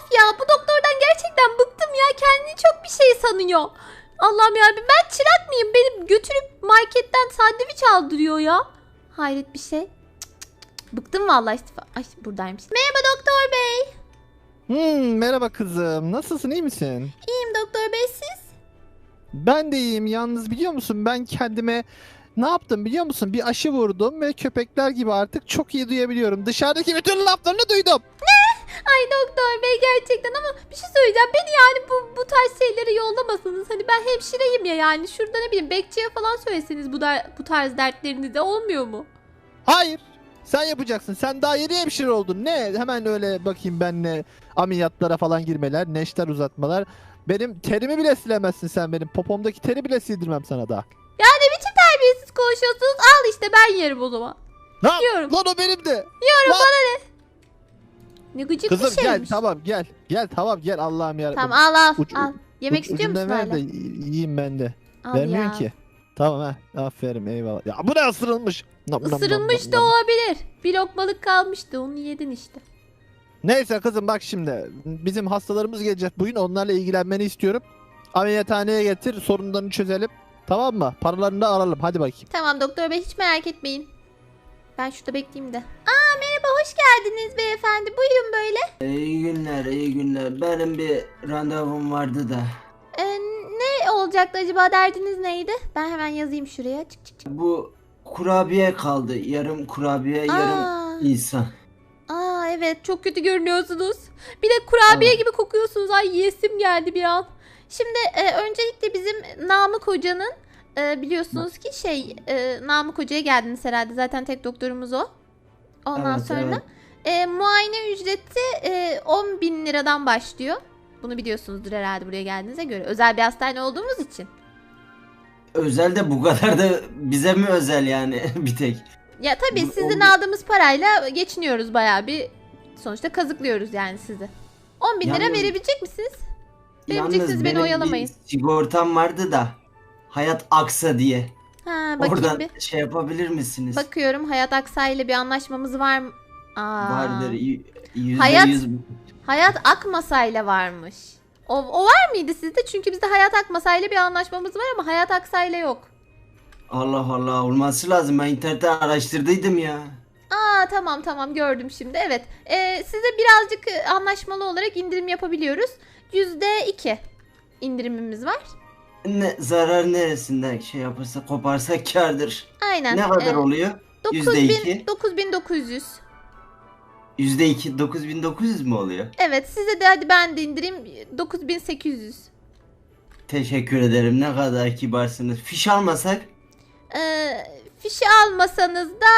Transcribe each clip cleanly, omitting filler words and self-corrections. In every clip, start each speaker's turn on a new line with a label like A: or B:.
A: ya bu doktordan gerçekten bıktım ya. Kendini çok bir şey sanıyor. Allah'ım yarabbim, ben çırak mıyım? Beni götürüp marketten sandviç aldırıyor ya. Hayret bir şey. Bıktım vallahi istifa. Ay buradaymış. Merhaba doktor bey.
B: Merhaba kızım. Nasılsın, iyi misin?
A: İyiyim doktor bey, siz?
B: Ben de iyiyim. Yalnız biliyor musun, ben kendime ne yaptım biliyor musun? Bir aşı vurdum ve köpekler gibi artık çok iyi duyabiliyorum. Dışarıdaki bütün laflarını duydum.
A: Ay doktor bey gerçekten, ama bir şey söyleyeceğim. Beni yani bu tarz şeyleri yollamasanız. Hani ben hemşireyim ya, yani şurada ne bileyim bekçiye falan söyleseniz bu tarz dertlerinizi de olmuyor mu?
B: Hayır. Sen yapacaksın. Sen daha yeni hemşire oldun. Ne? Hemen öyle bakayım ben ne ameliyatlara falan girmeler, neşter uzatmalar. Benim terimi bile silemezsin sen benim. Popomdaki teri bile sildirmem sana daha.
A: Ya ne biçim terbiyesiz konuşuyorsunuz? Al işte, ben yerim o zaman.
B: Ne yap?
A: Yiyorum.
B: Lan o benim de.
A: Yiyorum,
B: Lan.
A: bana ne? Ne gıcık
B: Kızım
A: bir
B: gel,
A: şeymiş.
B: tamam gel. Gel tamam gel, Allah'ım yarabbim.
A: Tamam al
B: Uç-
A: al. Yemek istiyor musun
B: Ucundan ver
A: hala?
B: de yiyeyim ben de.
A: Al
B: Vermiyorsun
A: ya.
B: ki. Tamam ha. Aferin, eyvallah. Ya bu ne ısırılmış? Nam, nam, nam,
A: Isırılmış
B: nam,
A: da
B: nam.
A: olabilir. Bir lokmalık kalmıştı, onu yedin işte.
B: Neyse kızım, bak şimdi. Bizim hastalarımız gelecek bugün. Onlarla ilgilenmeni istiyorum. Ameliyathaneye getir. Sorunlarını çözelim. Tamam mı? Paralarını da alalım. Hadi bakayım.
A: Tamam doktor bey, hiç merak etmeyin. Ben şurada bekleyeyim de. Aa merhaba, hoş geldiniz beyefendi. Buyurun böyle.
C: İyi günler, iyi günler. Benim bir randevum vardı da.
A: Ne olacaktı acaba, derdiniz neydi? Ben hemen yazayım şuraya. Çık çık çık.
C: Bu kurabiye kaldı. Yarım kurabiye,
A: Aa.
C: yarım insan.
A: Aa evet, çok kötü görünüyorsunuz. Bir de kurabiye
C: Aa.
A: gibi kokuyorsunuz. Ay yesim geldi bir an. Şimdi öncelikle bizim Namık Hoca'nın biliyorsunuz ki Namık Hoca'ya geldiniz herhalde. Zaten tek doktorumuz o. Ondan
C: Evet,
A: sonra muayene ücreti 10.000 liradan başlıyor. Bunu biliyorsunuzdur herhalde buraya geldiğinize göre. Özel bir hastane olduğumuz için.
C: Özel de bu kadar da bize mi özel yani bir tek?
A: Ya tabii
C: Bu-
A: sizin
C: on-
A: aldığımız parayla geçiniyoruz bayağı bir. Sonuçta kazıklıyoruz yani sizi. 10.000 lira
C: Yalnız-
A: verebilecek misiniz?
C: Yalnız
A: Vereceksiniz, beni
C: benim
A: oyalamayın.
C: bir sigortam vardı da. Hayat Aksa diye.
A: Ha bakayım
C: Oradan
A: bir.
C: şey yapabilir misiniz?
A: Bakıyorum, Hayat Aksay ile bir anlaşmamız var mı? Aa,
C: Vardır.
A: Hayat-
C: %100.
A: Hayat Akmasay'la varmış. O var mıydı sizde? Çünkü bizde Hayat Akmasay'la bir anlaşmamız var ama Hayat Aksay'la yok.
C: Allah Allah, olması lazım. Ben internette araştırdıydım ya.
A: Aa tamam gördüm şimdi. Evet. Size birazcık anlaşmalı olarak indirim yapabiliyoruz. %2 indirimimiz var.
C: Zarar neresinden şey yaparsa koparsa kârdır.
A: Aynen.
C: Ne kadar oluyor? %2.
A: 9.900.
C: %2 9900 mü oluyor?
A: Evet, size de hadi ben de indireyim 9.800.
C: Teşekkür ederim. Ne kadar kibarsınız. Fiş almasak
A: Fişi almasanız da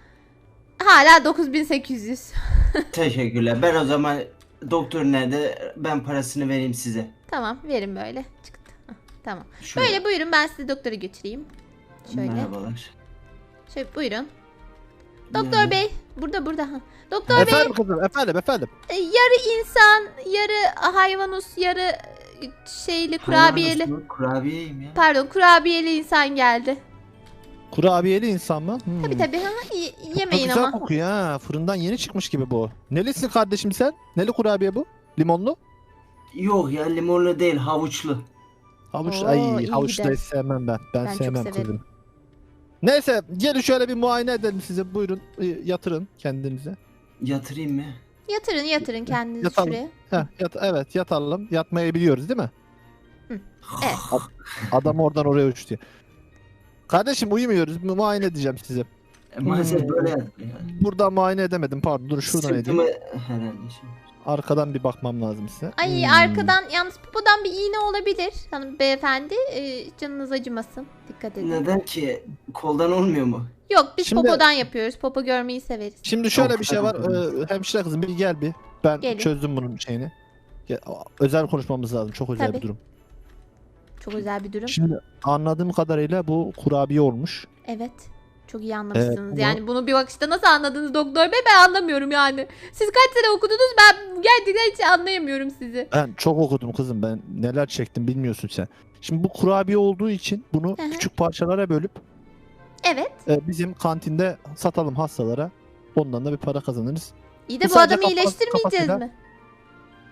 A: hala 9.800.
C: teşekkürler. Ben o zaman doktor nerede? Ben parasını vereyim size.
A: Tamam, verin böyle. Çıktı. Hah, tamam.
C: Şuraya.
A: Böyle buyurun, ben sizi doktora götüreyim. Şöyle.
C: Merhabalar.
A: Şöyle buyurun. Doktor
C: Yani-
A: bey. Burada. Ha. Doktor bey,
B: Efendim kızım, efendim.
A: yarı insan, yarı hayvanus, yarı şeyli kurabiyeli.
C: Hayvan olsun, kurabiyeyim ya.
A: Pardon, kurabiyeli insan geldi.
B: Kurabiyeli insan mı?
A: Tabii ha,
B: Çok
A: yemeyin
B: güzel
A: ama.
B: kokuyor ha. Fırından yeni çıkmış gibi bu. Nelisin kardeşim sen? Neli kurabiye bu? Limonlu?
C: Yok ya, limonlu değil, havuçlu.
B: Havuç,
A: Oo,
B: ay
A: iyi
B: havuç
A: gider.
B: da hiç sevmem ben. Ben
A: Ben çok
B: sevmem
A: severim.
B: kızım. Neyse, gelin şöyle bir muayene edelim size. Buyurun, yatırın kendinize.
C: Yatırayım mı?
A: Yatırın kendinizi
B: Yatalım.
A: şuraya.
B: Evet, yatalım. Yatmayı biliyoruz değil mi?
A: Evet.
B: Adam oradan oraya uçtu. Kardeşim uyumuyoruz. Muayene edeceğim sizi.
C: Maalesef böyle yatıyor yani.
B: Buradan muayene edemedim. Pardon, dur şuradan edeyim.
C: Sırtımı herhalde şimdi.
B: Arkadan bir bakmam lazım size.
A: Ay arkadan, yalnız popodan bir iğne olabilir. Hanım beyefendi, canınız acımasın. Dikkat edin.
C: Neden ki? Koldan olmuyor mu?
A: Yok, biz
B: Şimdi-
A: popodan yapıyoruz. Popo görmeyi severiz.
B: Şimdi şöyle
C: Çok
B: bir şey var.
C: güzel.
B: Hemşire kızım bir gel bir. Ben
A: Gelin.
B: çözdüm bunun şeyini. Özel konuşmamız lazım. Çok özel
A: Tabii.
B: bir durum.
A: Çok özel bir durum.
B: Şimdi anladığım kadarıyla bu kurabiye olmuş.
A: Evet. Çok iyi anlamışsınız.
B: bunu-
A: Yani bunu bir bakışta nasıl anladınız doktor bey, ben anlamıyorum yani. Siz kaç sene okudunuz, ben gerçekten hiç anlayamıyorum sizi.
B: Ben çok okudum kızım. Ben neler çektim bilmiyorsun sen. Şimdi bu kurabiye olduğu için bunu
A: Hı hı.
B: küçük parçalara bölüp
A: Evet.
B: bizim kantinde satalım hastalara. Ondan da bir para kazanırız.
A: İyi de bu
B: sadece
A: adamı
B: kafa-
A: iyileştirmeyeceğiz
B: kafasıyla-
A: mi?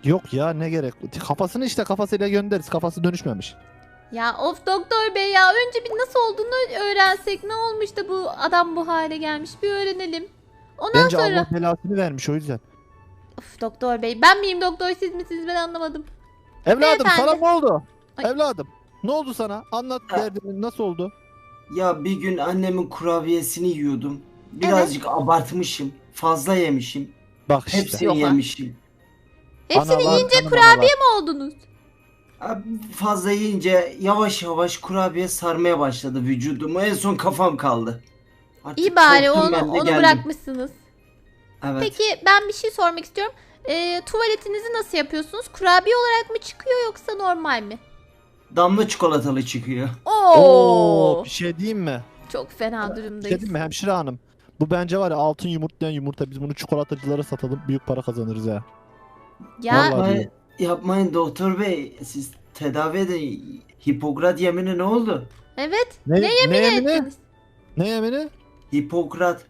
B: Yok ya, ne gerek? Kafasını işte kafasıyla göndeririz. Kafası dönüşmemiş.
A: Ya of doktor bey ya, önce bir nasıl olduğunu öğrensek, ne olmuş da bu adam bu hale gelmiş bir öğrenelim. Ondan
B: Bence
A: sonra...
B: Allah belasını vermiş o yüzden.
A: Of doktor bey, ben miyim doktor, siz misiniz, ben anlamadım.
B: Evladım
A: Beyefendi.
B: sana ne oldu?
A: Ay.
B: Evladım ne oldu sana? Anlat
C: Ha.
B: derdini, nasıl oldu?
C: Ya bir gün annemin kurabiyesini yiyordum. Birazcık abartmışım. Fazla yemişim.
B: Bak işte.
C: Hepsini
A: Yok ha.
C: yemişim.
A: Hepsini
B: Analar,
A: yiyince
B: analar.
A: kurabiye mi oldunuz?
C: Abi fazla yiyince yavaş yavaş kurabiye sarmaya başladı vücudumu. En son kafam kaldı. Artık
A: İyi bari
C: korktum, ben de
A: onu
C: geldim.
A: bırakmışsınız.
C: Evet.
A: Peki ben bir şey sormak istiyorum. Tuvaletinizi nasıl yapıyorsunuz? Kurabiye olarak mı çıkıyor yoksa normal mi?
C: Damla çikolatalı çıkıyor.
A: Oo,
B: Bir şey diyeyim mi?
A: çok fena
B: Bir şey
A: durumdayız.
B: diyeyim mi hemşire hanım? Bu bence var ya altın yumurtlayan yumurta. Biz bunu çikolatacılara satalım. Büyük para kazanırız ha.
A: Ya
B: Vallahi.
C: Yapmayın, yapmayın doktor bey. Siz tedavi edin. Hipokrat yemini ne oldu?
A: evet.
B: Ne yemini?
A: ettiniz?
B: Ne yemini?
C: Hipokrat.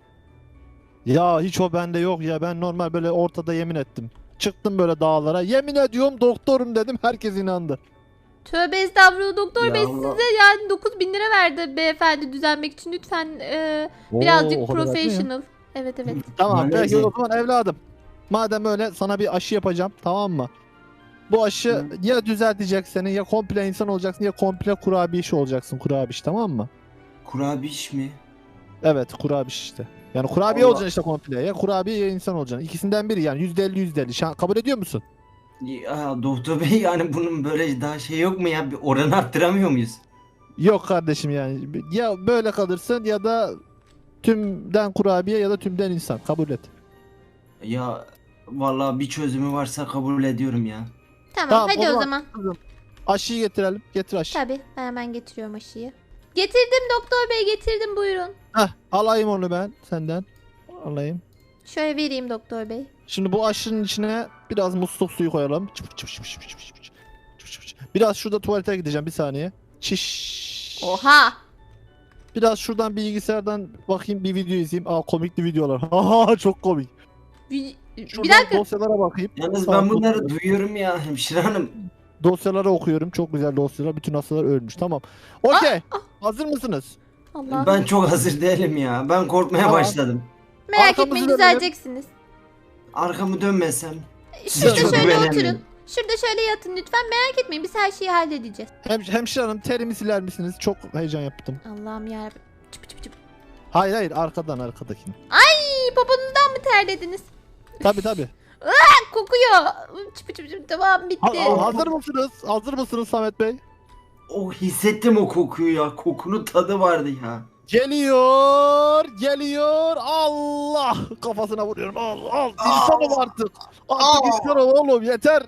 B: Ya hiç o bende yok ya. Ben normal böyle ortada yemin ettim. Çıktım böyle dağlara. Yemin ediyorum doktorum dedim. Herkes inandı.
A: Tövbe estağfurullah doktor
C: Ya
A: bey,
C: Allah.
A: size yani 9.000 lira verdi beyefendi düzelmek için. Lütfen birazcık
B: Oo, o kadar değil mi?
A: professional. Evet evet.
B: Tamam
C: Neyse.
B: peki o zaman evladım. Madem öyle sana bir aşı yapacağım, tamam mı? Bu aşı
C: Hı.
B: ya düzeltecek seni, ya komple insan olacaksın, ya komple kurabiye olacaksın, kurabiye, tamam mı?
C: Kurabiş mi?
B: Evet, kurabiye işte. Yani kurabiye
C: Allah.
B: olacaksın işte komple. Ya kurabiye ya insan olacaksın. İkisinden biri yani %50 %50. Kabul ediyor musun?
C: Ya doktor bey, yani bunun böyle daha şey yok mu ya? Bir oran arttıramıyor muyuz?
B: Yok kardeşim yani. Ya böyle kalırsın ya da tümden kurabiye ya da tümden insan. Kabul et.
C: Ya vallahi bir çözümü varsa kabul ediyorum ya.
A: Tamam,
B: Tamam,
A: hadi
B: o
A: o
B: zaman-
A: zaman.
B: Aşıyı getirelim. Getir aşı.
A: Tabii, ben hemen getiriyorum aşıyı. Getirdim doktor bey, getirdim, buyurun.
B: Heh, alayım onu ben senden. Alayım.
A: Şöyle vereyim doktor bey.
B: Şimdi bu aşının içine biraz musluk suyu koyalım. Çıp çıp çıp çıp çıp çıp çıp çıp. Çıp çıp çıp. Biraz şurada tuvalete gideceğim bir saniye. Çiş.
A: Oha.
B: Biraz şuradan bilgisayardan bakayım, bir video izleyeyim. Aa, komikli videolar. Aha, çok komik.
A: Bir
B: Şuradan
A: dakika.
B: dosyalara bakayım.
C: Yalnız
B: Tamam,
C: ben bunları
B: dosyalara-
C: duyuyorum ya hemşire hanım.
B: Dosyaları okuyorum. Çok güzel dosyalar. Bütün hastalar ölmüş. Tamam. Okey. Hazır mısınız?
A: Allah.
C: Ben çok hazır değilim ya. Ben korkmaya
B: Tamam.
C: başladım.
A: Merak
B: Arkamızı
A: etmeyin,
B: dönelim.
A: düzeleceksiniz.
C: Arkamı dönmesem.
A: Şurada
C: Çok
A: şöyle
C: güvenemiyorum.
A: oturun. Şurada şöyle yatın lütfen. Merak etmeyin, biz her şeyi halledeceğiz.
B: Hemşire hanım, terimi siler misiniz? Çok heyecan yaptım.
A: Allah'ım yarabbim. Çıp çıp çıp.
B: Hayır hayır, arkadan, arkadakini.
A: İyi, poponuzdan mı terlediniz?
B: Tabi tabi.
A: Kokuyor. Çıp çıp çıp, tamam bitti.
B: Hazır mısınız? Hazır mısınız Samet Bey?
C: Oh, hissettim o kokuyu ya. Kokunun tadı vardı ya.
B: Geliyor, geliyor. Allah! Kafasına vuruyorum. Al, insan ol artık. Artık insan ol oğlum, yeter.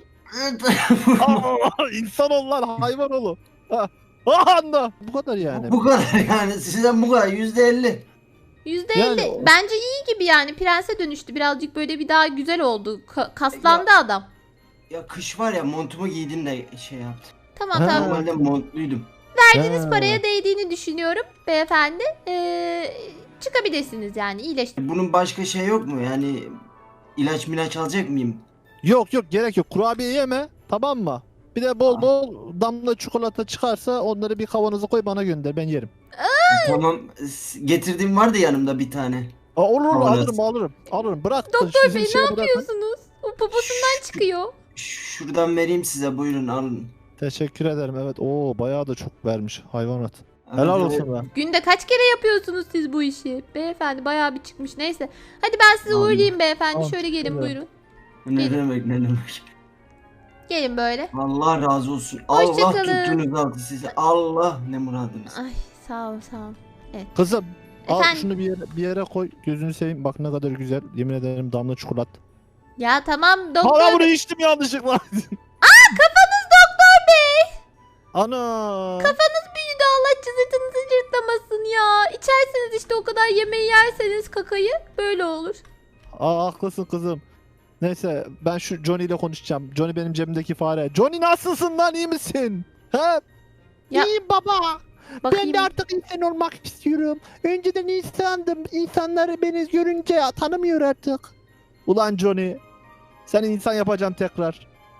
B: İnsan ol lan, hayvan ol. Anda. Bu kadar yani.
C: Bu kadar yani. Sizden bu kadar. %50.
A: %50.
B: Yani-
A: Bence iyi gibi yani. Prense dönüştü. Birazcık böyle bir daha güzel oldu. Kaslandı adam.
C: Ya kış var ya, montumu giydim de şey yaptım.
A: Tamam
B: Ha.
A: tamam.
C: Normalde montluydum.
A: Verdiğiniz
B: Ha.
A: paraya değdiğini düşünüyorum beyefendi. Çıkabilirsiniz yani, iyileşti.
C: Bunun başka şey yok mu? Yani ilaç milaç alacak mıyım?
B: Yok yok, gerek yok. Kurabiye yeme, tamam mı? Bir de bol
C: Ah.
B: bol damla çikolata çıkarsa onları bir kavanoza koy, bana gönder, ben yerim.
C: Tamam. Getirdiğim vardı yanımda bir tane.
B: Olur
C: Kavanoz.
B: alırım. Bırak.
A: Doktor
B: sizin
A: bey, ne
B: şeye bırakın.
A: yapıyorsunuz? O poposundan çıkıyor.
C: Şuradan vereyim size, buyurun alın.
B: Teşekkür ederim. Evet. Oo, bayağı da çok vermiş hayvanat.
C: Evet,
B: Helal
C: evet.
B: olsun be.
A: Günde kaç kere yapıyorsunuz siz bu işi? Beyefendi bayağı bir çıkmış. Neyse. Hadi ben sizi
C: Tamam.
A: uğurlayayım beyefendi.
B: Tamam,
A: Şöyle gelin
B: evet.
A: buyurun.
C: Ne demek, ne demek.
A: Gelin böyle.
C: Allah razı olsun.
A: Hoşça
C: Allah
A: kalın.
C: tuttuğunuz altı size. Allah ne muradınız.
A: Ay sağ ol sağ ol.
B: Kızım, al
A: Efendim?
B: şunu bir yere koy. Gözünü seveyim. Bak ne kadar güzel. Yemin ederim, damla çikolat.
A: Ya tamam
B: Hala
A: doktor
B: bunu
A: bey.
B: içtim yanlışlıkla.
A: Kafanız doktor bey.
B: Ana.
A: Kafanız büyüdü, Allah cızırtınızı cırtlamasın ya. İçerseniz işte, o kadar yemeği yerseniz kakayı böyle olur.
B: Haklısın kızım. Neyse, ben şu Johnny ile konuşacağım. Johnny benim cebimdeki fare. Johnny, nasılsın lan, iyi misin? He?
A: Ya-
B: İyiyim baba.
A: Bakayım.
B: Ben de artık insan olmak istiyorum. Önceden insandım. İnsanlar beni görünce tanımıyor artık. Ulan Johnny. Seni insan yapacağım tekrar.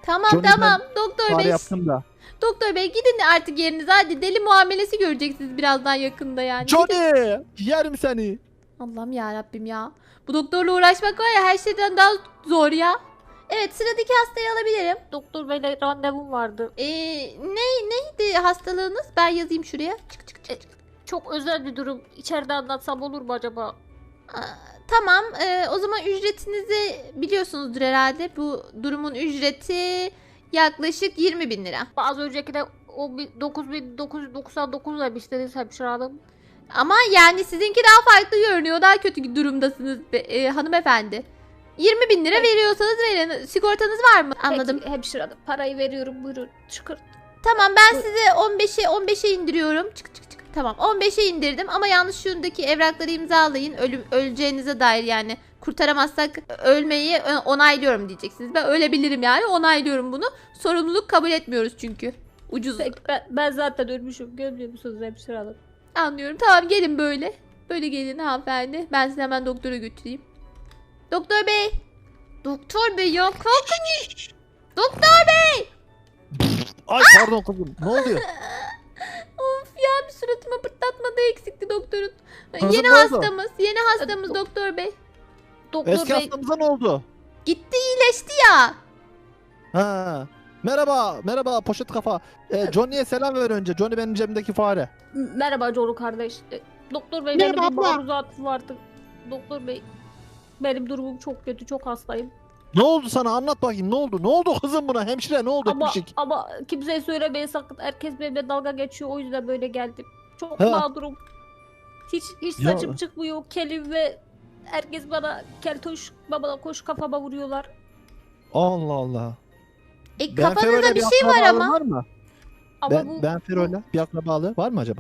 A: Tamam
B: Johnny,
A: tamam doktor
B: Fare
A: bey.
B: yaptım da.
A: Doktor bey gidin artık yerinize, hadi deli muamelesi göreceksiniz birazdan yakında yani. Gidin.
B: Johnny! Yerim seni.
A: Allah'ım ya Rabbim ya. Bu doktorla uğraşmak var ya her şeyden daha zor ya. Evet, sıradaki hastayı alabilirim.
D: Doktor beyle randevum vardı.
A: Neydi hastalığınız? Ben yazayım şuraya. Çık çık çık.
D: Çok özel bir durum. İçeride anlatsam olur mu acaba?
A: Aa, tamam, o zaman ücretinizi biliyorsunuzdur herhalde. Bu durumun ücreti yaklaşık 20.000 lira.
D: Az önceki de 9.999 demiştiniz hemşire hanım.
A: Ama yani sizinki daha farklı görünüyor. Daha kötü durumdasınız hanımefendi. 20.000 lira veriyorsanız verin. Sigortanız var mı? Anladım.
D: Peki, hemşire hanım parayı veriyorum, buyurun çıkır.
A: Tamam, ben
D: Bu-
A: size 15'e indiriyorum. Çık çık çık. Tamam, 15'e indirdim ama yalnız şundaki evrakları imzalayın. Öleceğinize dair, yani kurtaramazsak ölmeyi onaylıyorum diyeceksiniz. Ben ölebilirim yani, onaylıyorum bunu. Sorumluluk kabul etmiyoruz çünkü. Ucuz.
D: Peki, ben zaten ölmüşüm, görmüyor musunuz hemşire hanım?
A: Anlıyorum. Tamam, gelin böyle. Böyle gelin hanımefendi. Ben sizi hemen doktora götüreyim. Doktor bey. Doktor bey ya, kalkın. Doktor bey.
B: Ay pardon kızım. Ne oluyor?
A: Of ya, bir suratıma pırtlatma da eksikti doktorun.
B: Kızım,
A: Yeni
B: ne oldu?
A: hastamız. Yeni hastamız doktor bey.
D: Doktor
B: Eski
D: bey
B: hastamıza ne oldu?
A: Gitti, iyileşti ya.
B: Ha. Merhaba, merhaba poşet kafa. Johnny'ye selam ver önce. Johnny benim cebimdeki fare.
D: merhaba Coru kardeş. Doktor bey benim
B: Merhaba
D: bir
B: abla.
D: maruzatım vardı. Doktor bey benim durumum çok kötü, çok hastayım.
B: Ne oldu sana? Anlat bakayım. Ne oldu? Ne oldu kızım buna? Hemşire ne oldu?
D: Ama
B: Etmişik.
D: ama kimseye söylemeyin sakın. Herkes benimle dalga geçiyor, o yüzden böyle geldim. Çok
B: Ha.
D: mağdurum. Hiç
B: Ya.
D: saçım çıkmıyor, kelim ve herkes bana keltoş, bana koş kafama vuruyorlar.
B: Allah Allah.
A: Kafanızda
B: Fero'yla
A: bir şey var
B: akrabalığın
A: ama.
B: Var mı?
D: Ama bu
B: Ben Fero'yla bir akrabalığı var mı acaba?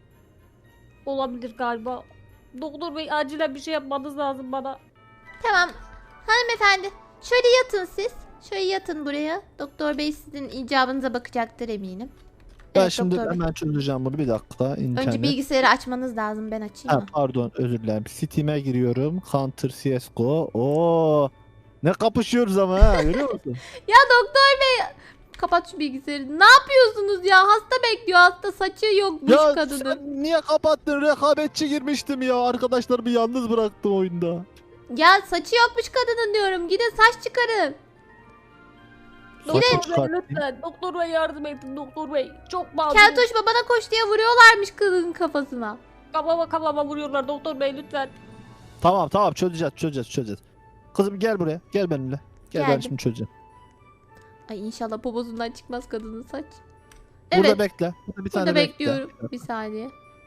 D: olabilir galiba. Doktor bey acilen bir şey yapmanız lazım bana.
A: Tamam. Hanımefendi, şöyle yatın siz. Şöyle yatın buraya. Doktor bey sizin icabınıza bakacaktır eminim.
B: Ben
A: Evet,
B: şimdi
A: doktor bey.
B: hemen çözeceğim bunu. Bir dakika. İnternet.
A: Önce bilgisayarı açmanız lazım. Ben açayım
B: Ha,
A: mı?
B: pardon özür dilerim. Steam'e giriyorum. Counter CSGO. Oo. Ne kapışıyoruz ama ha. Görüyor musun?
A: Ya doktor bey, kapat şu bilgisayarı. Ne yapıyorsunuz ya? Hasta bekliyor. Hasta, saçı yokmuş
B: Ya
A: kadının.
B: sen niye kapattın? Rekabetçi girmiştim ya. Arkadaşlarımı yalnız bıraktım oyunda.
A: Ya saçı yokmuş kadının diyorum. Gidin saç çıkarın.
B: Saçı
D: Doktor bey
B: çıkartayım.
D: lütfen. Doktor bey yardım edin doktor bey. Çok mağdurum.
A: Keltoş babana koş diye vuruyorlarmış kadının kafasına.
D: Kafama vuruyorlar doktor bey lütfen.
B: Tamam çözeceğiz. Kızım gel buraya. Gel benimle. Gel ben
A: Geldim.
B: şimdi çözeceğim.
A: Ay inşallah poposundan çıkmaz kadının saç.
B: Burada
A: Evet,
B: bekle. Burada bir tane
A: burada
B: bekle.
A: bekliyorum. Bir saniye.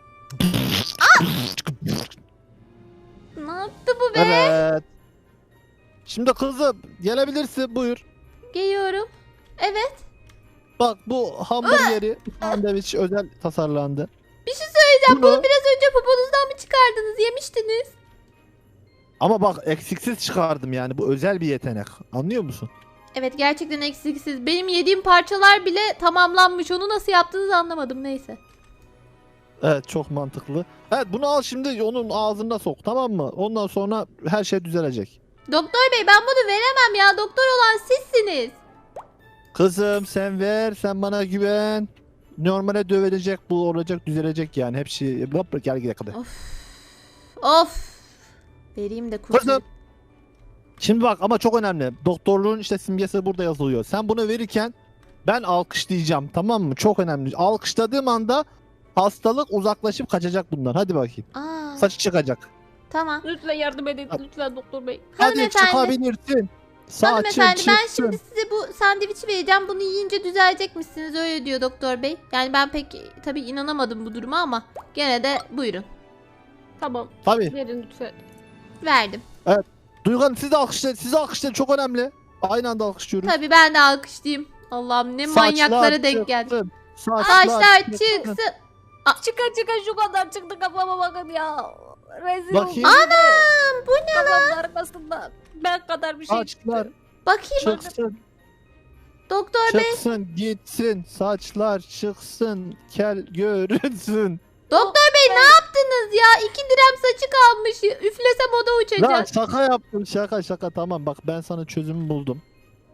A: Ne yaptı bu be?
B: Evet. Şimdi kızım gelebilirsin buyur.
A: Geliyorum. Evet.
B: Bak bu hamburgeri sandviç özel tasarlandı.
A: Bir şey söyleyeceğim.
B: Bunu-
A: Bunu biraz önce poponuzdan mı çıkardınız? Yemiştiniz.
B: Ama bak eksiksiz çıkardım yani bu özel bir yetenek. Anlıyor musun?
A: Evet, gerçekten eksiksiz. Benim yediğim parçalar bile tamamlanmış. Onu nasıl yaptığınızı anlamadım. Neyse.
B: Evet çok mantıklı. Evet bunu al şimdi onun ağzına sok tamam mı? Ondan sonra her şey düzelecek.
A: Doktor bey, ben bunu veremem ya. Doktor olan sizsiniz.
B: Kızım sen ver sen bana güven. Normale dövülecek bu olacak düzelecek yani hepsi. Hop, gel gidelim kadar.
A: Of. Vereyim de kurtulayım.
B: Kızım. Şimdi bak ama çok önemli. Doktorluğun işte simgesi burada yazılıyor. Sen bunu verirken ben alkışlayacağım tamam mı? Çok önemli. Alkışladığım anda hastalık uzaklaşıp kaçacak bundan. Hadi bakayım.
A: Aa,
B: Saçı çıkacak.
A: tamam.
D: Lütfen yardım edin lütfen doktor bey.
B: Hadi
A: Hanımefendi.
B: çıkabilirsin. Saçın
A: Hanımefendi, ben
B: çıksın.
A: şimdi size bu sandviçi vereceğim. Bunu yiyince düzelecekmişsiniz, öyle diyor doktor bey. Yani ben pek tabii inanamadım bu duruma ama gene de buyurun.
D: Tamam
B: Tabii.
D: verin lütfen.
A: Verdim.
B: Duygu Hanım siz de alkışlayın. Siz de alkışlayın. Çok önemli. Aynı anda alkışlıyoruz.
A: Tabii ben de alkışlayayım. Allah'ım ne manyaklara denk geldik.
B: çıksın.
A: Saçlar çıksın.
D: Çıkın şu kadar çıktı kafama bakın ya. Rezil
B: Bakayım.
D: oldum.
A: Anam, bu ne?
D: Kafamın arkasında. Ben kadar bir şey
B: Saçlar
D: çıktı.
A: Bakayım
B: çıksın.
A: doktor bey.
B: Çıksın gitsin. Saçlar çıksın. Kel görünsün.
A: Doktor bey ne yaptınız ya? 2 direm saçı kalmış. Üflesem o da
B: Ya
A: uçacak.
B: şaka yaptım şaka tamam bak ben sana çözümü buldum.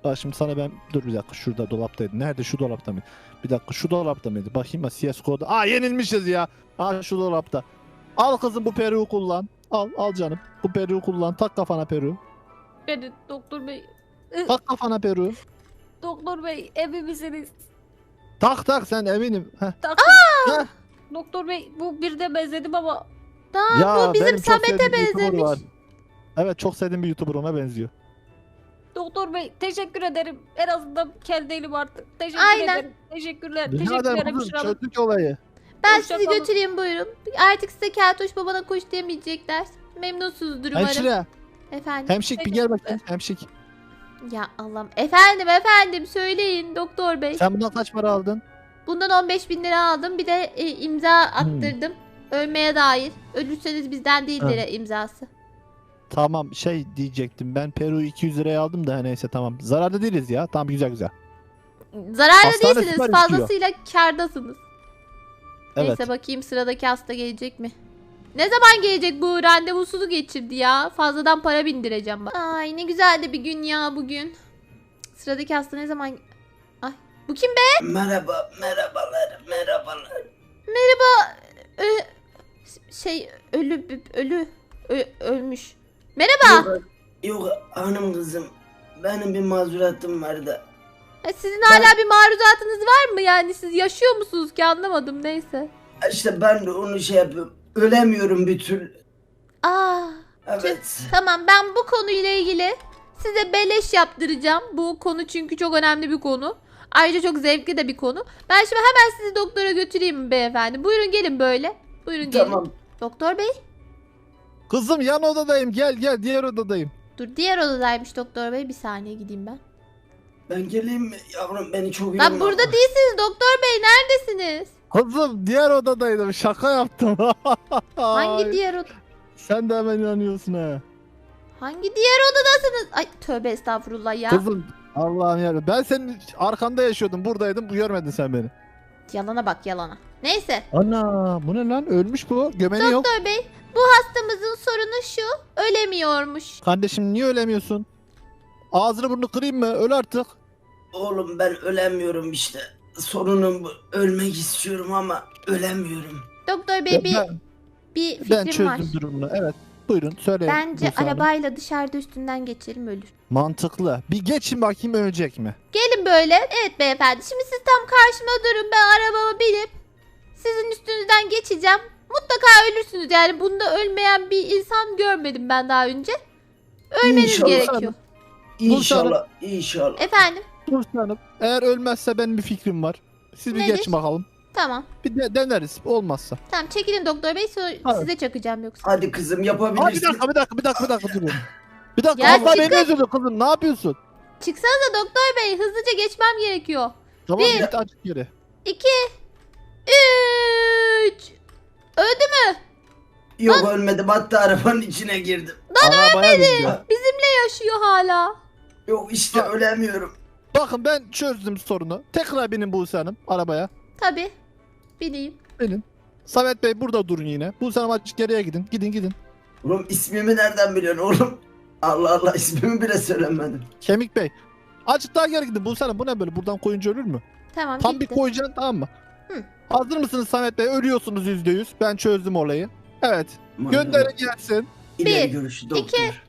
B: Bak şimdi sana ben dur bir dakika şurada dolaptaydı. Nerede şu dolapta mıydı? Bir dakika şu dolapta mıydı? Bakayım CSGO'da. Aa yenilmişiz ya. Aa şu dolapta. Al kızım bu peruğu kullan. Al canım. Bu peruğu kullan. Tak kafana peruğu.
D: Beni doktor bey.
B: Tak kafana peruğu.
D: Doktor bey emin misiniz?
B: Tak sen eminim. Heh.
D: Taktım.
B: Heh.
D: Doktor bey bu bir de benzedim ama.
A: Tamam bu bizim
B: benim çok
A: Samet'e
B: sevdiğim bir YouTuber
A: benzemiş.
B: var. Evet çok sevdiğim bir YouTuber ona benziyor.
D: Doktor bey teşekkür ederim. En azından kel değilim artık. Teşekkür
A: Aynen.
D: ederim. Teşekkürler.
B: Rica
D: Teşekkür
B: ederim
D: ederim.
B: kızım çözdük olayı.
A: Ben
D: Hoşça
A: sizi
D: kalın.
A: götüreyim buyurun. Artık size Keltoş babana koş demeyecekler. Memnunsunuzdur umarım.
B: Hemşire.
A: Efendim.
B: Hemşik bir gel bakayım. Hemşik.
A: Ya Allah'ım. Efendim söyleyin doktor bey.
B: Sen bundan kaç para aldın?
A: Bundan 15.000 lira aldım. Bir de imza attırdım. Ölmeye dair. Ölürseniz bizden değildir imzası.
B: Tamam şey diyecektim ben Peru 200 liraya aldım da neyse tamam. Zararda değiliz ya. Tamam güzel.
A: Zararlı
B: Hastane
A: değilsiniz.
B: süper
A: Fazlasıyla kârdasınız.
B: Evet.
A: Neyse bakayım sıradaki hasta gelecek mi? Ne zaman gelecek bu? Randevusunu geçirdi ya. Fazladan para bindireceğim bak. Ay ne güzel de bir gün ya bugün. Sıradaki hasta ne zaman... Ay bu kim be?
C: Merhabalar.
A: Merhaba. Ölmüş. Merhaba.
C: Yok hanım kızım. Benim bir mazuratım var da.
A: Sizin hala bir maruzatınız var mı? Yani siz yaşıyor musunuz ki anlamadım neyse.
C: İşte ben de onu şey yapıyorum. Ölemiyorum bir türlü.
A: Aa,
C: Evet.
A: tamam ben bu konuyla ilgili size beleş yaptıracağım. Bu konu çünkü çok önemli bir konu. Ayrıca çok zevkli de bir konu. Ben şimdi hemen sizi doktora götüreyim beyefendi. Buyurun gelin böyle. Buyurun gelin.
C: Tamam.
A: Doktor bey.
B: Kızım yan odadayım gel diğer odadayım.
A: Dur diğer odadaymış doktor bey. Bir saniye gideyim ben.
C: Ben geleyim mi? Yavrum beni çok
A: Lan
C: yorma.
A: burada değilsiniz doktor bey. Neredesiniz?
B: Kızım diğer odadaydım şaka yaptım.
A: Hangi
B: Ay,
A: diğer oda?
B: Sen de hemen inanıyorsun ha.
A: Hangi diğer odadasınız? Ay tövbe estağfurullah ya.
B: Kızım Allah'ım ya ben senin arkanda yaşıyordum buradaydım görmedin sen beni.
A: Yalana bak yalana. Neyse.
B: Ana bu ne lan ölmüş bu gömeni yok.
A: Doktor bey bu hastamızın sorunu şu. Ölemiyormuş.
B: Kardeşim niye ölemiyorsun? Ağzını burnunu kırayım mı öl artık.
C: Oğlum ben ölemiyorum işte. Sorunum bu. Ölmek istiyorum ama ölemiyorum.
A: Doktor bey
B: Ben,
A: bir
B: ben
A: fikrim var.
B: çözdüm durumunu evet. Buyurun söyleyin.
A: Bence
B: Buse Hanım.
A: arabayla dışarıda üstünden geçelim ölür.
B: Mantıklı. Bir geçin bakayım ölecek mi?
A: Gelin böyle. Evet beyefendi. Şimdi siz tam karşıma durun. Ben arabama binip sizin üstünüzden geçeceğim. Mutlaka ölürsünüz. Yani bunda ölmeyen bir insan görmedim ben daha önce. Ölmeniz
C: İnşallah.
A: gerekiyor.
C: İnşallah.
A: Efendim.
B: Buse Hanım eğer ölmezse benim bir fikrim var. Siz bir
A: Nedir?
B: geçin bakalım.
A: Tamam.
B: Bir de deneriz olmazsa.
A: Tamam çekilin doktor bey. Sonra
B: Evet.
A: size çakacağım yoksa.
C: Hadi kızım
B: Aa,
C: yapabilirsin.
B: bir dakika durun. Bir dakika
A: Ya
B: Allah
A: çıkın.
B: beni üzüldü kızım ne yapıyorsun?
A: Çıksanıza doktor bey. Hızlıca geçmem gerekiyor.
B: Tamam
A: Bir.
B: git açık yere.
A: 2 3 Öldü mü?
C: Yok ölmedim hatta arabanın içine girdim.
B: Arabaya bindi.
A: Bizimle yaşıyor hala.
C: Yok işte ölemiyorum.
B: Bakın ben çözdüm sorunu. Tekrar binin Buse Hanım arabaya.
A: Tabi. Bineyim.
B: Binin. Samet Bey burada durun yine. Buse Hanım açık geriye gidin. Gidin.
C: Oğlum ismimi nereden biliyorsun oğlum? Allah Allah ismimi bile söylemedim.
B: Kemik Bey. Azıcık daha geri gidin Buse Hanım. Bu ne böyle? Buradan koyunca ölür mü?
A: Tamam
B: Tam bir
A: gitti.
B: koyacaksın tamam mı?
A: Hı.
B: Hazır mısınız Samet Bey? Ölüyorsunuz %100. Ben çözdüm olayı. Evet. Gönderin gelsin.
C: İleri
A: Bir,
C: görüşü doktor.
A: 2 3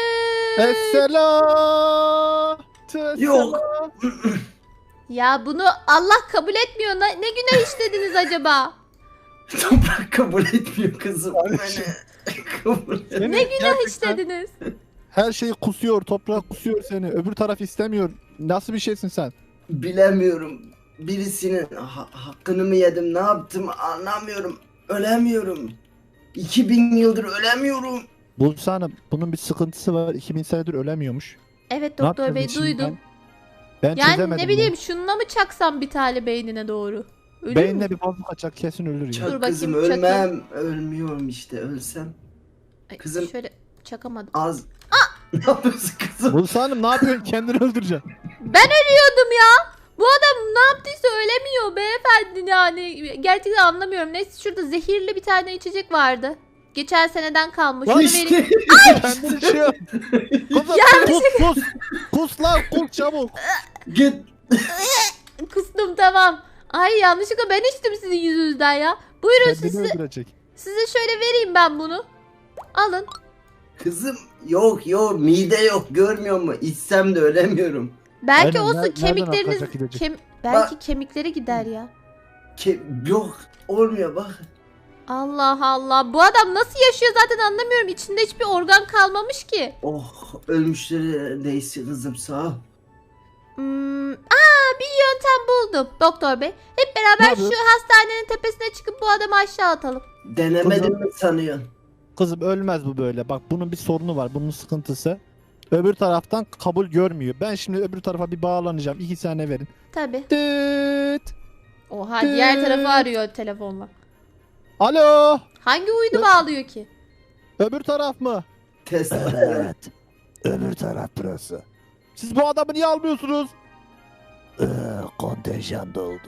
B: Esselam.
C: Yok.
A: Ya bunu Allah kabul etmiyor. Ne günah işlediniz acaba?
C: Toprak kabul etmiyor kızım beni. Kabul et.
A: Ne günah işlediniz?
B: Her şeyi kusuyor. Toprak kusuyor seni. Öbür taraf istemiyor. Nasıl bir şeysin sen?
C: Bilemiyorum. Birisinin hakkını mı yedim ne yaptım anlamıyorum. Ölemiyorum. 2000 yıldır ölemiyorum.
B: Buse Hanım bunun bir sıkıntısı var. 2000 senedir ölemiyormuş.
A: Evet
B: Ne
A: doktor bey
B: yapacağız şimdi
A: duydum.
B: Ben
A: Yani
B: çözemedim.
A: ne bileyim şununla mı çaksam bir tane beynine doğru? Ölür
B: Beyinle
A: mü?
B: bir bozuk kaçak kesin ölür ya.
C: Çak
A: Dur
C: kızım
A: bakayım,
C: ölmem. Ölmüyorum işte ölsem.
A: Ay,
C: kızım.
A: Şöyle çakamadım.
C: Az. Ne yapıyorsun kızım?
B: Buse Hanım ne yapıyorsun? Kendini öldüreceksin.
A: Ben ölüyordum ya. Bu adam ne yaptıysa ölemiyor beyefendi yani. Gerçekten anlamıyorum. Neyse şurada zehirli bir tane içecek vardı. Geçen seneden kalmış.
B: Lan
A: Onu
C: İşte.
A: vereyim.
B: Kendini şey yap. Kızım kus. Kus lan kus çabuk.
C: Git.
A: Kustum tamam. Ay yanlışlıkla ben içtim sizin yüzünüzden ya. Buyurun
B: Kendini
A: size
B: öldürecek.
A: şöyle vereyim ben bunu. Alın.
C: Kızım yok mide yok görmüyor musun? İçsem de ölemiyorum.
A: Belki
B: Aynen,
A: olsun
B: nereden
A: kemikleriniz
B: akacak, gidecek?
A: belki kemikleri gider ya.
C: Yok olmuyor bak.
A: Allah Allah. Bu adam nasıl yaşıyor zaten anlamıyorum. İçinde hiçbir organ kalmamış ki.
C: Oh ölmüşlere değsin kızım sağ ol.
A: Bir yöntem buldum doktor bey. Hep beraber
B: Ne
A: şu
B: yapıyorsun?
A: hastanenin tepesine çıkıp bu adamı aşağı atalım.
C: Denemedim mi sanıyorsun?
B: Kızım ölmez bu böyle. Bak bunun bir sorunu var. Bunun sıkıntısı. Öbür taraftan kabul görmüyor. Ben şimdi öbür tarafa bir bağlanacağım. 2 saniye verin.
A: Tabii.
B: Tıt.
A: Oha diğer tarafı arıyor telefonla.
B: Alo.
A: Hangi uydu bağlıyor ki?
B: Öbür taraf mı?
C: Test.
B: Evet. Öbür taraf burası. Siz bu adamı niye almıyorsunuz? Kontenjan doldu.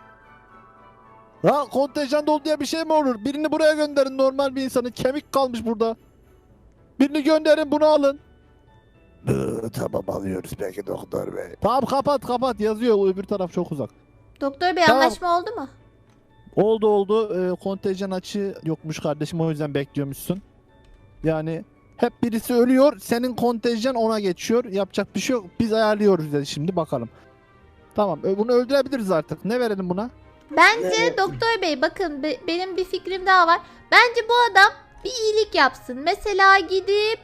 B: Ha kontenjan doldu diye bir şey mi olur? Birini buraya gönderin, normal bir insanın. Kemik kalmış burada. Birini gönderin, bunu alın. Tamam alıyoruz peki doktor bey. Tamam kapat yazıyor, öbür taraf çok uzak.
A: Doktor bey
B: Tamam.
A: anlaşma oldu mu?
B: Oldu. Kontenjan açığı yokmuş kardeşim, o yüzden bekliyormuşsun. Yani hep birisi ölüyor, senin kontenjan ona geçiyor. Yapacak bir şey yok. Biz ayarlıyoruz dedi, şimdi bakalım. Tamam bunu öldürebiliriz artık. Ne verelim buna?
A: Bence
C: Evet.
A: doktor bey bakın benim bir fikrim daha var. Bence bu adam bir iyilik yapsın. Mesela gidip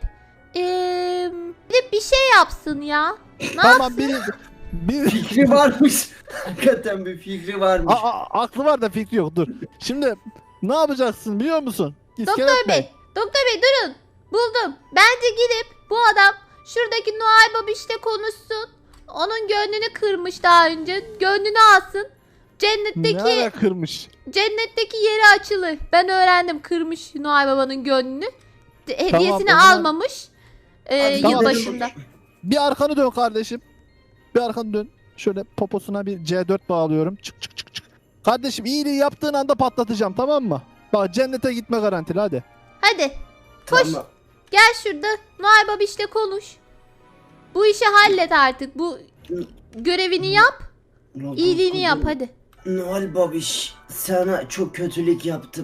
A: bir şey yapsın ya. Ne
B: Tamam
A: yapsın?
B: bir
C: Fikri varmış. Hakikaten bir fikri varmış.
B: aklı var da fikri yok, dur. Şimdi ne yapacaksın biliyor musun? İskelet
A: Doktor bey durun. Buldum. Bence gidip bu adam şuradaki Noel Babiş'le konuşsun. Onun gönlünü kırmış daha önce. Gönlünü alsın.
B: Ne ara kırmış?
A: Cennetteki yeri açılır. Ben öğrendim kırmış Noel Baba'nın gönlünü. Hediyesini
B: o zaman-
A: almamış.
C: Hadi
B: Tamam.
A: Yılbaşında.
B: Bir arkanı dön kardeşim. Bir arkanı dön. Şöyle poposuna bir C4 bağlıyorum. Çık. Kardeşim iyiliği yaptığın anda patlatacağım, tamam mı? Bak cennete gitme garantili, hadi.
A: Hadi koş.
C: Tamam.
A: Gel şurada Noel Babiş'le konuş. Bu işi hallet artık. Bu görevini yap. İyiliğini yap hadi.
C: Noel babiş sana çok kötülük yaptım.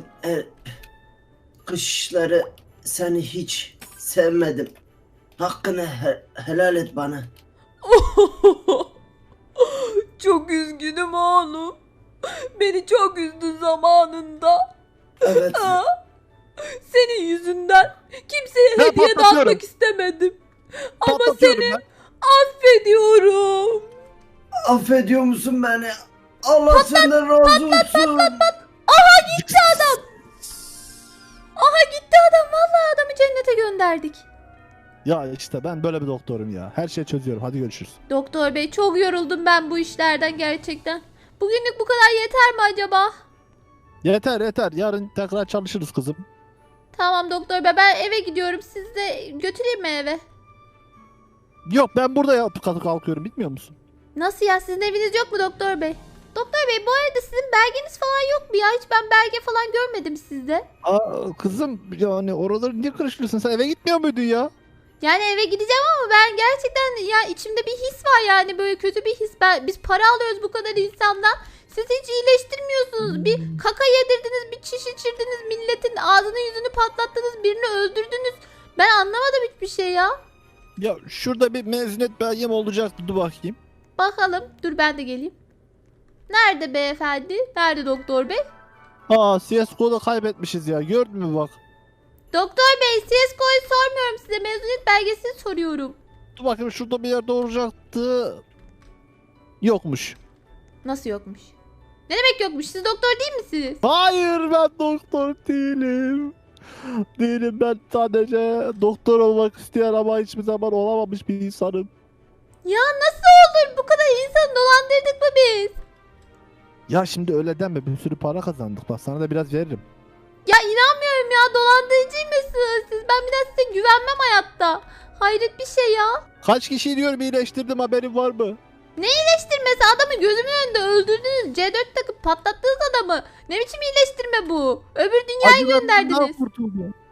C: Kışları seni hiç sevmedim. Hakkını helal et bana.
A: Çok üzgünüm oğlum. Beni çok üzdün zamanında.
C: Evet.
A: Senin yüzünden kimseye
B: Ben
A: hediye
B: patlatıyorum.
A: dağıtmak istemedim. Ama
B: Patlatıyorum
A: seni
B: ben.
A: affediyorum.
C: Affediyor musun beni? Allah senden razı olsun.
A: Aha gitti adam. Vallahi adamı cennete gönderdik.
B: Ya işte ben böyle bir doktorum ya. Her şeyi çözüyorum. Hadi görüşürüz.
A: Doktor bey çok yoruldum ben bu işlerden gerçekten. Bugünlük bu kadar yeter mi acaba?
B: Yeter. Yarın tekrar çalışırız kızım.
A: Tamam doktor bey ben eve gidiyorum. Siz de götüreyim mi eve?
B: Yok ben burada kalkıyorum, bitmiyor musun?
A: Nasıl ya sizin eviniz yok mu doktor bey? Doktor bey bu arada sizin belgeniz falan yok mu ya? Hiç ben belge falan görmedim sizde.
B: Kızım yani oraları niye karıştırıyorsun? Sen eve gitmiyor muydun ya?
A: Yani eve gideceğim ama ben gerçekten ya içimde bir his var yani böyle kötü bir his. Biz para alıyoruz bu kadar insandan. Siz hiç iyileştirmiyorsunuz. Bir kaka yedirdiniz, bir çiş içirdiniz, milletin ağzını yüzünü patlattınız, birini öldürdünüz. Ben anlamadım hiçbir şey ya.
B: Ya şurada bir mezuniyet belgem olacaktı, dur bakayım.
A: Bakalım. Dur ben de geleyim. Nerede beyefendi? Nerede doktor bey?
B: CSGO'da kaybetmişiz ya, gördün mü bak.
A: Doktor bey CSGO'yu sormuyorum size. Mezuniyet belgesini soruyorum.
B: Dur bakayım, şurada bir yerde olacaktı. Yokmuş.
A: Nasıl yokmuş? Ne demek yokmuş? Siz doktor değil misiniz?
B: Hayır, ben doktor değilim. Ben sadece doktor olmak isteyen ama hiçbir zaman olamamış bir insanım.
A: Ya nasıl olur? Bu kadar insanı dolandırdık mı biz?
B: Ya şimdi öyle deme, bir sürü para kazandık, bak sana da biraz veririm.
A: Ya inanmıyorum ya. Dolandırıcıymışsınız siz. Ben bir daha size güvenmem hayatta. Hayret bir şey ya.
B: Kaç kişiyi diyorum iyileştirdim, haberin var mı?
A: İyileştirmesi adamı gözümün önünde öldürdünüz. C4 takıp patlattınız adamı. Ne biçim iyileştirme bu? Öbür dünyaya gönderdiniz.
B: Kurtuldum.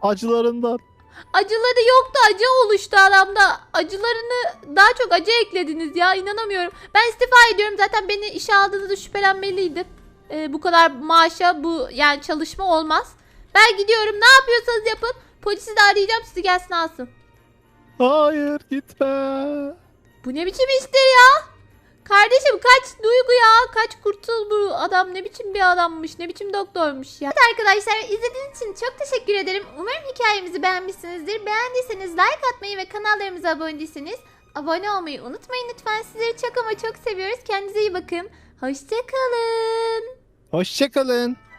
B: acılarından.
A: Acıları yoktu, acı oluştu adamda. Acılarını daha çok acı eklediniz ya, inanamıyorum. Ben istifa ediyorum, zaten beni işe aldığınızda şüphelenmeliydim. Bu kadar maaşa bu yani çalışma olmaz. Ben gidiyorum, ne yapıyorsanız yapın. Polisi de arayacağım, sizi gelsin alsın.
B: Hayır gitme.
A: Bu ne biçim iştir ya? Kardeşim kaç Duygu ya, kaç kurtul bu adam, ne biçim bir adammış, ne biçim doktormuş ya. Evet arkadaşlar, izlediğiniz için çok teşekkür ederim. Umarım hikayemizi beğenmişsinizdir. Beğendiyseniz like atmayı ve kanallarımıza abone değilseniz abone olmayı unutmayın lütfen. Sizleri çok ama çok seviyoruz. Kendinize iyi bakın. Hoşçakalın.
B: Hoşçakalın.